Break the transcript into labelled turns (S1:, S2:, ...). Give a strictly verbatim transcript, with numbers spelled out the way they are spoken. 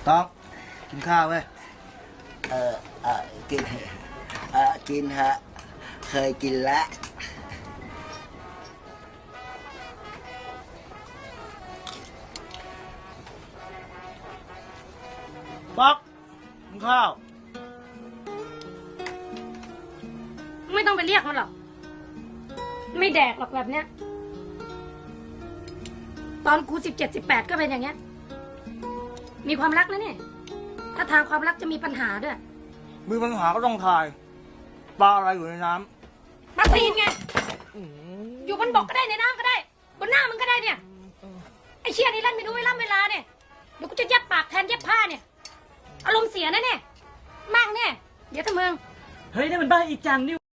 S1: ต้องกินข้าวเว้ย
S2: เออเออกินเออกินฮะเคยกินแล้ว
S1: ป๊อกกินข้าว
S3: ไม่ต้องไปเรียกมันหรอกไม่แดกหรอกแบบเนี้ยตอนกูสิบเจ็ดสิบแปดก็เป็นอย่างเงี้ยมีความรักนะเนี่ยถ้าทางความรักจะมีปัญหาด้วย
S1: มีปัญหาก็ต้องทายปลาอะไรอยู่ในน้
S3: ำปลาตีนไงอยู่บนบกก็ได้ในน้ำก็ได้บนหน้ามึงก็ได้เนี่ยไอ้เชี่ยนี่เล่นไม่รู้เวลาเวลาเนี่ยเดี๋ยวกูจะเย็บปากแทนเย็บผ้าเนี่ยอารมณ์เสียนะเนี่ยมากเนี่ยเดี๋ยวถ้ามึง
S4: เฮ้ยนี่มันบ้าอีจังนี่